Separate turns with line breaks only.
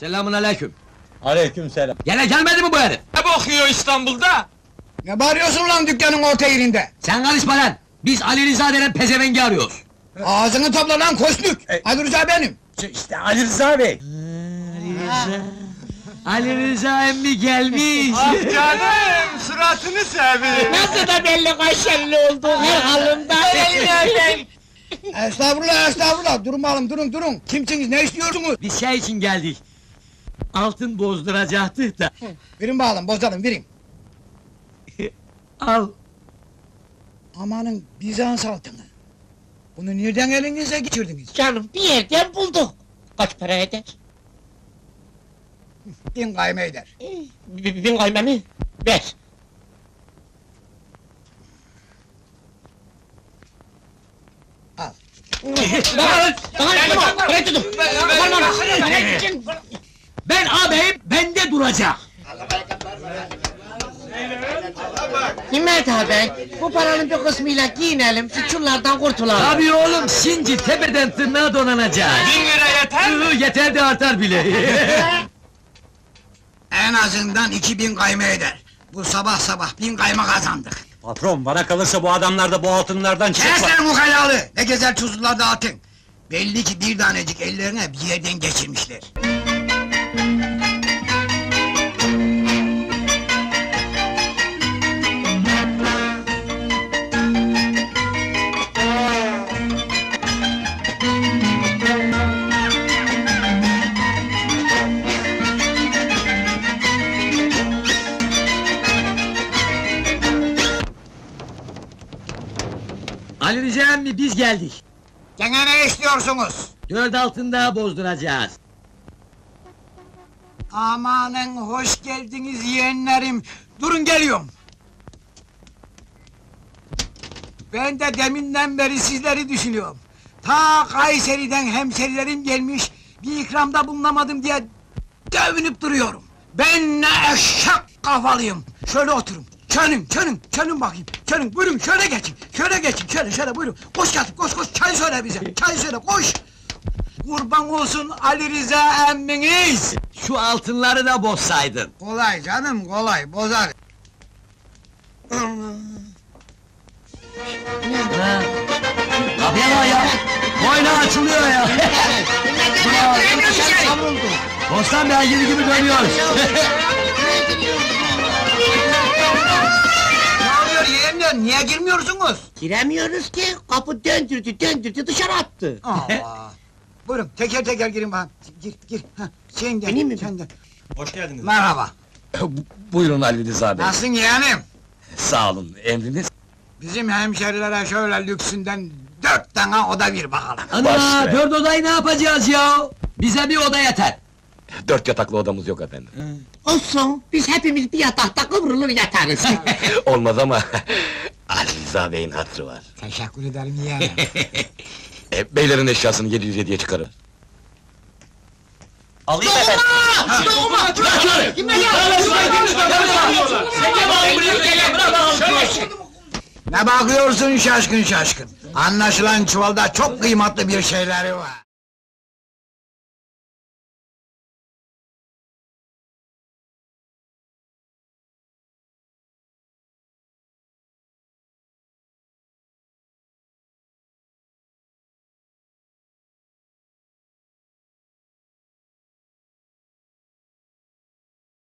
Selamünaleyküm.
Aleykümselam.
Gene gelmedi mi bu herif?
Ne bakıyor İstanbul'da?
Ne bağırıyorsun lan dükkanın orta yerinde?
Sen karışma lan! Biz Ali Rıza denen pezevengi arıyoruz.
Ağzını topla lan koşluk! Ali Rıza benim!
İşte Ali Rıza Bey.
Ali Rıza emmi gelmiş!
Ah canım, suratını seveyim.
Nasıl da belli kaşerli olduğu her halında.
Estağfurullah, estağfurullah! Durun bakalım, durun! Kimsiniz, ne istiyorsunuz?
Biz şey için geldik. Altın bozduracaktık da.
Verin bakalım, bozalım, verin!
Al.
Amanın Bizans altını! Bunu nereden elinize geçirdiniz?
Canım bir yerden bulduk. Kaç para eder?
1000 kayme eder.
1000 kayma mı? Ver.
Al.
Bırak tutun.
Ben ağabeyim, bende duracak!
Himmet abi, bu paranın bir kısmıyla giyinelim, şu çullardan kurtulalım.
Tabii oğlum, şimdi tepeden tırnağa donanacak!
1000 lira yeter mi?
Yeter de artar bile!
En azından 2000 kayme eder. Bu sabah 1000 kayma kazandık.
Patron, bana kalırsa bu adamlar da bu altınlardan
Kes
çıkar.
lan ukalalı! Ne gezer tuzlular dağıtın! Belli ki bir tanecik ellerine bir yerden geçirmişler.
Ali Rıza emmi, biz geldik.
Gene ne istiyorsunuz?
4 altın daha bozduracağız.
Amanın hoş geldiniz yeğenlerim. Durun geliyorum. Ben de deminden beri sizleri düşünüyorum. Ta Kayseri'den hemşerilerim gelmiş, bir ikramda bulunamadım diye dövünüp duruyorum. Ben ne eşek kafalıyım. Şöyle oturun. Çönün bakayım. Çönün, buyurun şöyle geçin. Şöyle buyurun. Koş Katip, koş, çay söyle bize. Çay söyle, koş. Kurban olsun Ali Rıza emminiz.
Şu altınları da bozsaydın.
Kolay canım, kolay, bozar.
Ha. Kapıya bak ya! Boynu açılıyor ya! Bostan beygiri gibi dönüyoruz!
Ne oluyor yeğenler, niye girmiyorsunuz?
Giremiyoruz ki, kapı döndürdü, dışarı attı.
Allah! Buyurun, teker girin bakalım. Gir. Hah, sen gel,
Benim mi?
sen gel.
Hoş geldiniz.
Merhaba.
Buyurun Ali Rıza Bey.
Nasılsın yeğenim?
Sağ olun, emriniz.
Bizim hemşerilere şöyle lüksünden 4 tane oda bir bakalım.
Ana,
Baş be.
4 odayı ne yapacağız ya? Bize bir oda yeter!
4 yataklı odamız yok efendim.
Olsun, biz hepimiz bir yatakta kıvrılır yatarız.
Olmaz ama Ali Rıza Bey'in hatırı var.
Teşekkür ederim yeğenim.
Beylerin eşyasını 707'ye çıkarın.
Alayım efendim.
Ne bakıyorsun şaşkın? Anlaşılan çuvalda çok kıymetli bir şeyleri var.